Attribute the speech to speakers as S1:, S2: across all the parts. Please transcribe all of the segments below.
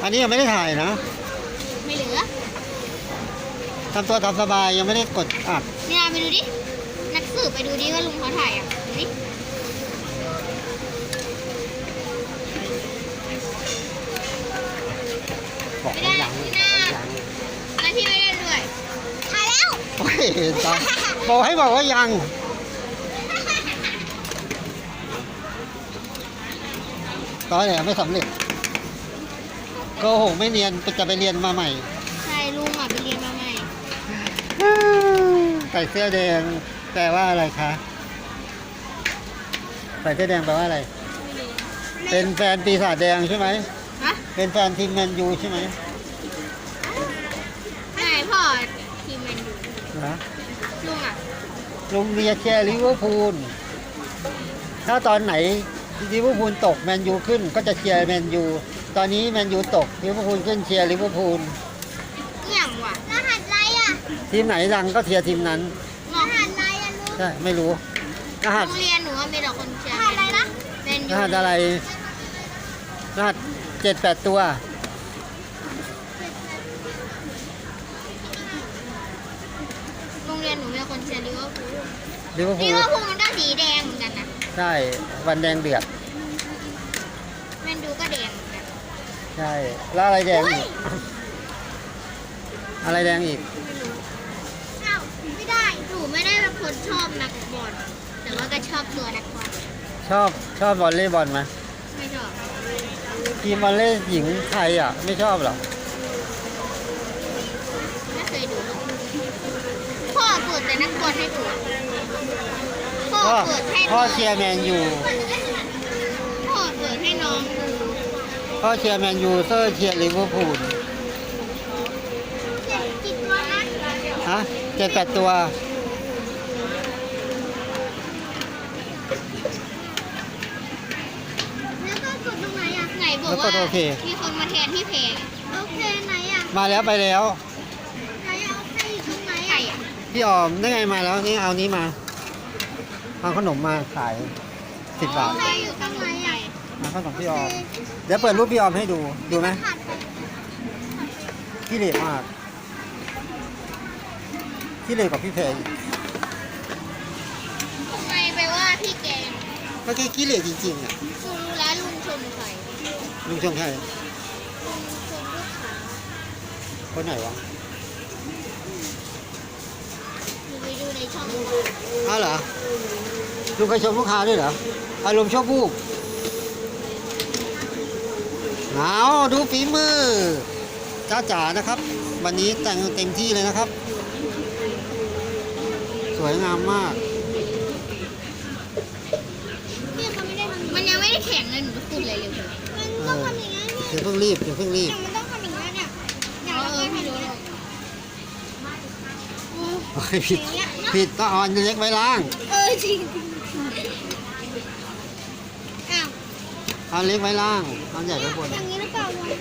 S1: อันนี้ยังไม่ได้ถ่ายนะ
S2: ไม่เหลือ
S1: ทำตัวตามสบายยังไม่ได้กดอัด
S2: เนี่ยไปดูดิ นักสืบไปดูดิว่าลุงเขาถ่ายอ่ะดูดิ
S1: บอก
S2: ไม่
S1: ให้
S2: ได้
S1: ยัง
S2: หน้าแล้วพี่ไม่ได้ด้วยถ่ายแล้ว
S1: โอ้ยตอนบอกให้บอกว่ายังตอนไหนไม่สำเร็จโกหกไม่เรียนจะไปเรียนมาใหม่
S2: ใช่ลุงอ่ะไปเรียนมาใหม่
S1: ใส่เสื้อแดงแปลว่าอะไรคะใส่เสื้อแดงแปลว่าอะไร เป็นแฟนปีศาจแดงใช่ไหม
S2: ฮะ
S1: เป็นแฟนทีมแมนยูใช่ไหม
S2: ไหนพ่อทีมแมนยู
S1: นะ
S2: ลุงอ่ะ
S1: ลุงเมียเชียร์ลิเวอร์พูลถ้าตอนไหนลิเวอร์พูลตกแมนยูขึ้นก็จะเชียร์แมนยูตอนนี้แมนยูตกลิเวอร์พูลขึ้นเชียร์ลิเวอร์พูล
S2: เอี่ยงว่ะรหัสอะไรอ่ะ
S1: ทีมไหนดังก็เชียร์ทีมนั้น
S2: รหัสอะไรอ่ะลุง
S1: ใช่ไม่รู้รหัส
S2: โรงเรียนหนูว่ามีแต่คนเชียร์รหัสอะไรนะแมน
S1: ร
S2: ยู
S1: หัสอะไรรหัส7-8 ตัว
S2: โรงเรียนหนูมีคนเชียร์ลิเวอร์พูล
S1: ลิเวอร์พู
S2: ลิ
S1: ล
S2: เวอร์พูลมันก็สีแดงเหมือนกันนะ
S1: ใช่วันแดงเดือด
S2: แมนยูก็แดงเหมือนกัน
S1: ใช่แล้วอะไรแดงอีกอะไรแดงอีก
S2: ไม่รู้อ้าวไม่ได้หนูไม่ได้เป็นคนชอบนักบอลแต่ว่าก็ชอบตัวนักบอล
S1: ชอบวอลเลย์บอลไหม
S2: ไม่ชอบ
S1: ทีมวอลเลย์หญิงไทยอ่ะไม่ชอบหรอ
S2: ไม่เคยดูพ่อเปิดแต่นักบอลให้ดูพ่อ
S1: พ่อ
S2: เปิดให้
S1: พ่อเชียร์แมนยู
S2: พ่อเปิดให้น้องดู
S1: พ่อเชียร์แมนยูเซอร์เชียร์ลิเวอร์พูล
S2: กี่ตัวนะ
S1: ฮะ7-8 ตัว
S2: แล้วก็กดตรงไหนอ่ะไหนบอก
S1: แล้วก
S2: ว่า
S1: ดโอเค
S2: มีคนมาแทนที่เพลงโอเคไหนอ่ะ
S1: มาแล้วไปแล้ว
S2: ไหนเอาโอเคอยู่ตรงไหนอ่ะ
S1: พี่ออมได้ไงมาแล้วนี่เอานี้มาเอาขนมมาขาย10 บาท
S2: โอเคอยู่ตรงไหนอ่ะ
S1: เอาขนมพี่ออมเดี๋ยวเปิดรูปพี่ออมให้ดูดูไหม
S2: ขาดไป
S1: ขี้เหร่มากขี้เหร่กับพี่เพลง
S2: ทำไมไปว่าพี่แกง
S1: ก็แค่ขี้เหร่จริงๆอ่ะ
S2: กูรู้แล้วลุงชมใคร
S1: ลุงชมใคร
S2: ลุงชมลูกค้า
S1: คนไหนวะ
S2: หนูไปดูในช่อง
S1: อ้าวเหรอลุงเคยชมลูกค้าด้วยเหรออารมณ์ชอบบูบเอาดูฝีมือจ้าจ๋านะครับ วันนี้แต่งเต็มที่เลยนะครับ สวยงามมาก
S2: พี่เขาไม่ได้ทำมันยังไม่ได้แข่งเลยหนูจะพูดอะไรเร็วมันต้องทำอย่างนั้นเนี่ย
S1: เดี๋ยวเพิ่งรีบเดี๋ยวเพิ่งรีบ
S2: มันต้องทำอย่างนั้นเนี่ยอย่างเราเคยทำอย่างนี้
S1: โอ้ยผิดต้องเอาอันเล็กไว้ล่าง
S2: จริงอ้าว
S1: เอาอันเล็กไว้ล่างเอาอันใหญ่ไว้บน
S2: อย่างนี้หรือเปล่าลุง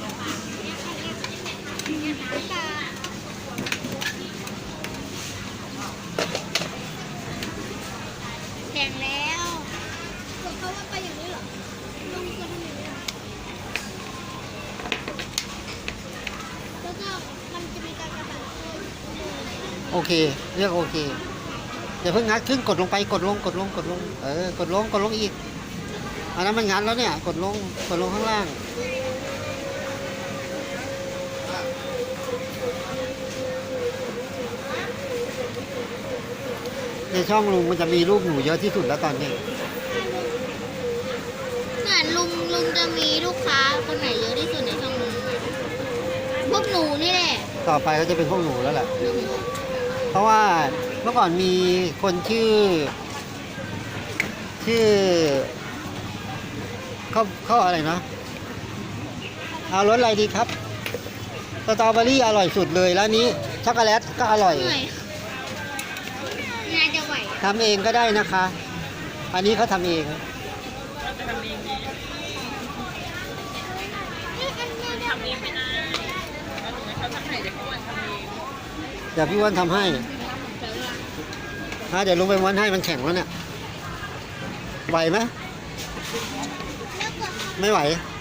S2: แข่งแล้วเขาว่าไปอย่างนี้เหรอลุงจะทำอย่างนี้เหรอแล้วก็มันจะมีการกระตัน
S1: โอเคเรียกโอเคอย่าเพิ่งงัดขึ้นกดลงไปกดลงกดลงอีกอันนั้นมันงัดแล้วเนี่ยกดลงข้างล่างในช่องลุงมันจะมีรูปหนูเยอะที่สุดแล้วตอนนี้
S2: เหมือนลุงจะมีลูกค้าคนไหนเยอะที่สุดในช่องลุงพวกหนูนี่แหละ
S1: ต่อไปก็จะเป็นพวกหนูแล้วแหละเพราะว่าเมื่อก่อนมีคนชื่อเขาอะไรนะเอารสอะไรดีครับสตรอเบอรี่อร่อยสุดเลยแล้วนี้ช็อกโกแลตก็อร่อย
S2: เหนื่อยงานจะไหว
S1: ทำเองก็ได้นะคะ อันนี้เขาทำเองเดี๋ยวพี่อ้วันทำให้เดี๋ยวลุงไปม้วนให้มันแข็งแล้วเนี่ยไหวไหมไม่ไหว